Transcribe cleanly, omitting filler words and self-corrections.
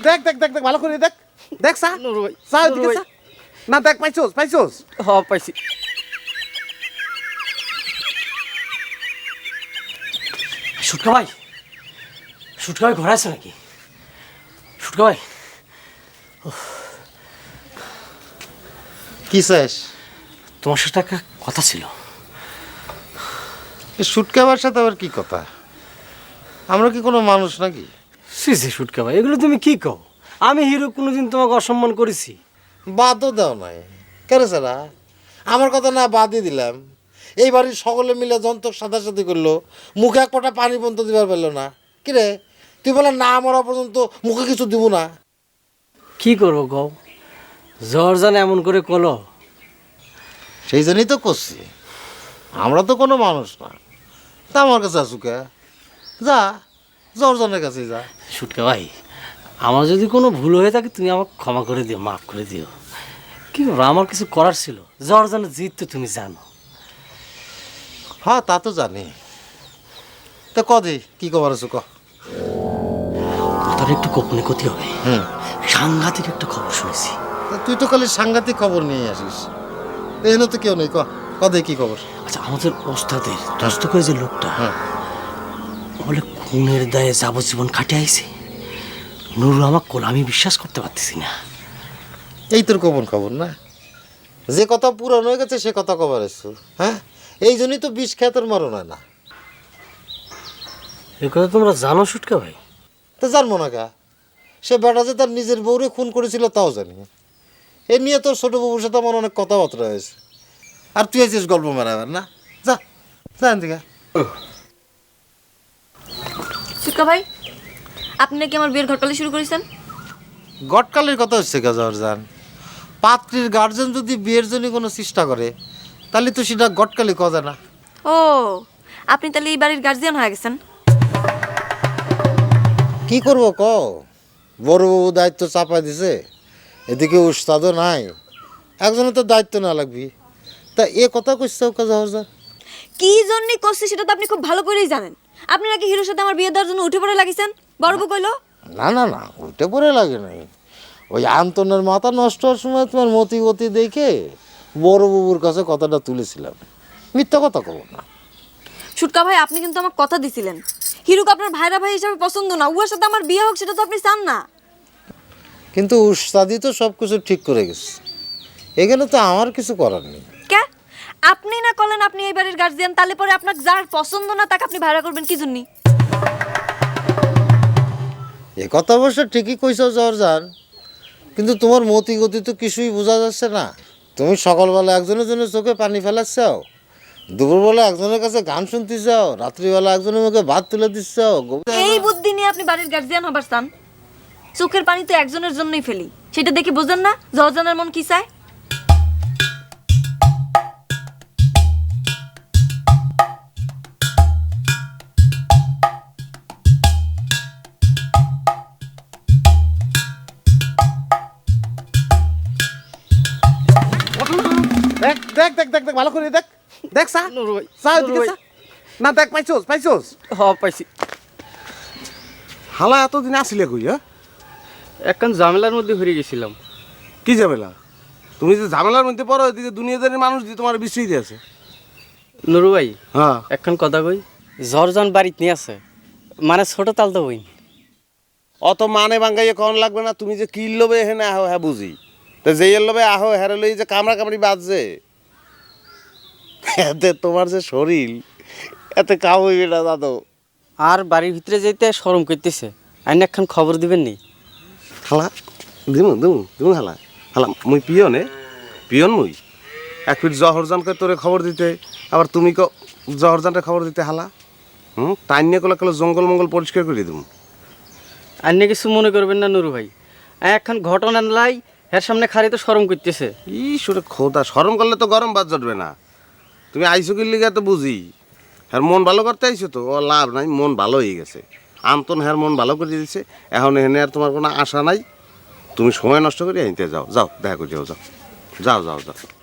দেখ দেখ দেখ দেখ ভালো করে দেখ দেখ সা নুরু ভাই সা ওদিকে সা না দেখ পাইছোস পাইছোস পাইছি। সুটকা ভাই ঘরে আছে নাকি? সুটকা ভাই কি চাস? তোমার সাথে একটা কথা ছিল। সুটকাবার সাথে আবার কি কথা? আমরা কি কোনো মানুষ নাকি? সি সুটকা ভাই এগুলো তুমি কি কও? আমি হিরো কোনোদিন তোমাকে অসম্মান করেছি? বাদও দাও নাই কেন সারা আমার কথা না বাদই দিলাম। এই বাড়ির সকলে মিলে যন্ত্র সাদাসাদি করলো, মুখে এক ফোঁটা পানি পর্যন্ত দিবার পারলো না। কিরে তুই বলে না মরা পর্যন্ত মুখে কিছু দিব না? কি করবো কও, জ্বর জানে এমন করে কলো। সেই জন্যই তো করছি, আমরা তো কোনো মানুষ না। তা আমার কাছে আসুকে যা, জর্জনের কাছে যা। সুটকা ভাই আমার যদি কোনো ভুল হয়ে থাকে তুমি আমাকে ক্ষমা করে দিও, মাফ করে দিও। কি করবো, আমার কিছু করার ছিল। জর্জনের জিত তো তুমি জানো। হ্যাঁ তা তো জানি। তা কদি কি খবর আছো ক? তোর একটু গোপনে ক্ষতি হবে। সাংঘাতিক একটা খবর শুনেছি। তুই তো খালি সাংঘাতিক খবর নিয়ে আসিস, এখানে তো কেউ নেই। কদে কি খবর? আচ্ছা আমাদের ওস্তাদের দস্ত করে যে লোকটা বলে খুনের দায়ে যাবজ্জীবন খাটে আইছে, নুরু আমার কোল, আমি বিশ্বাস করতে পারতেছি না। এই তোর গোপন খবর না? যে কথা পুরানো হয়ে গেছে সে কথা খবর এসছো। হ্যাঁ এই জন্যই তো বিষ খেতের মরণ হয় না। এই কথা তোমরা জানো সুটকা ভাই? তা জানবো না কা? সে বেটা যে তার নিজের বউরে খুন করেছিল তাও জানি। এ নিয়ে তোর ছোট বাবুর সাথে আমার অনেক কথাবার্তা হয়েছে। আর তুই আছিস গল্প মেরাবার না? যা যা এদিকে। সুটকা ভাই আপনি নাকি আমার বিয়ের ঘটকালি শুরু করেছেন? গটকালির কথা হচ্ছে কা জর্জান? পাত্রীর গার্জেন যদি বিয়ের জন্য কোনো চেষ্টা করে তাহলে তো সেটা গটকালি কথা না। ও আপনি তাহলে এই বাড়ির গার্জিয়ান হয়ে গেছেন? কি করবো ক, বড় বাবু দায়িত্ব চাপা দিছে, এদিকে উস্তাদও নাই, একজনের তো দায়িত্ব না লাগবি। তা এ কথা কইছে জর্জান? কি জন্য করছে সেটা তো আপনি খুব ভালো করেই জানেন। আপনি নাকি হিরোর সাথে আমার বিয়ে দেওয়ার জন্য উঠে পড়ে লাগিয়েছেন, বড় বউ কইলো। না না না উল্টে পড়ে লাগে নাই, ওই আন্তনের মাথা নষ্ট হওয়ার সময় তোমার মতি গতি দেখে বড় বাবুর কাছে কথাটা তুলেছিলাম। মিথ্যা কথা কব না। সুটকা ভাই আপনি কিন্তু আমার কথা দিছিলেন হিরুকে আপনার ভাইরা ভাই হিসাবে পছন্দ না, উহার সাথে আমার বিয়ে হোক সেটা তো আপনি চান না। কিন্তু উস্তাদি তো সব কিছু ঠিক করে গেছে, এখানে তো আমার কিছু করার নেই। কে আপনি না করলেন আপনি এই বাড়ির গার্জিয়ান, তাহলে পরে আপনার যার পছন্দ না তাকে আপনি ভাইরা করবেন কি জন্য? এ কথা অবশ্য ঠিকই কইছো জর্জান, কিন্তু তোমার মতি গতি তো কিছুই বোঝা যাচ্ছে না। তুমি সকালবেলা একজনের জন্য চোখে পানি ফেলাচ্ছাও, দুপুরবেলা একজনের কাছে গান শুনতে যাও, রাত্রিবেলা একজনের মুখে ভাত তুলে দিচ্ছাও। এই বুদ্ধি নিয়ে আপনি বাড়ির গার্জিয়ান হবার চান? চোখের পানি তো একজনের জন্যই ফেলি, সেটা দেখে বোঝেন না জর্জনের মন কি চায়? দেখ দেখ দেখ দেখ দেখ ভালো করে দেখ দেখ সা নুরু ভাই সা ওদিকে সা না দেখ পাইছোস পাইছোস পাইছি। হালা এতদিন আসিলে কই? একখান ঝামেলার মধ্যে ঘুরে গেছিলাম। কি ঝামেলা? তুমি যে ঝামেলার মধ্যে পড়ো এদিকে দুনিয়াদারি মানুষ দিয়ে তোমার বিস্মৃতি আছে। নুরু ভাই হ্যাঁ একখান কথা কই, জর্জন বাড়িতে নিয়ে আছে, মানে ছোট তাল তো বইন। অত মানে বাঙ্গাইয়ে কখন লাগবে না, তুমি যে কিল লোবে এখানে আহো হ্যাঁ বুঝি, তো যেই লোবে আহো হ্যাঁ লই যে কামড়া কামড়ি বাজছে, এতে তোমার যে শরীর এতে কাম হইবে না দাদু। আর বাড়ির ভিতরে যেতে শরম করতেছে, আইন একখান খবর দিবেন নি? হালা দিমু দিমু দিমু হালা হালা মুই পিয়নে পিয়ন মুই এক ফিট জহরজানকে তোরে খবর দিতে, আবার তুমি জহরজানকে খবর দিতে হালা। টাইম নিয়ে কলে কলে জঙ্গল মঙ্গল পরিষ্কার করে দিমু। আইন কিছু মনে করবেন না নুরু ভাই, একখান ঘটনা লাই এর সামনে খালি তো শরম করতেছে। ই সুরে খোদা, শরম করলে তো গরম বাদ জটবে না। তুমি আইসো কি লিগা তো বুঝি, হ্যার মন ভালো করতে আইসো তো, ও লাভ নাই, মন ভালো হয়ে গেছে। আন্তন হ্যার মন ভালো করে দিয়েছে, এখন এখানে আর তোমার কোনো আশা নাই। তুমি সময় নষ্ট করে আনতে যাও, যাও দেখা করে যাও, যাও যাও যাও যাও।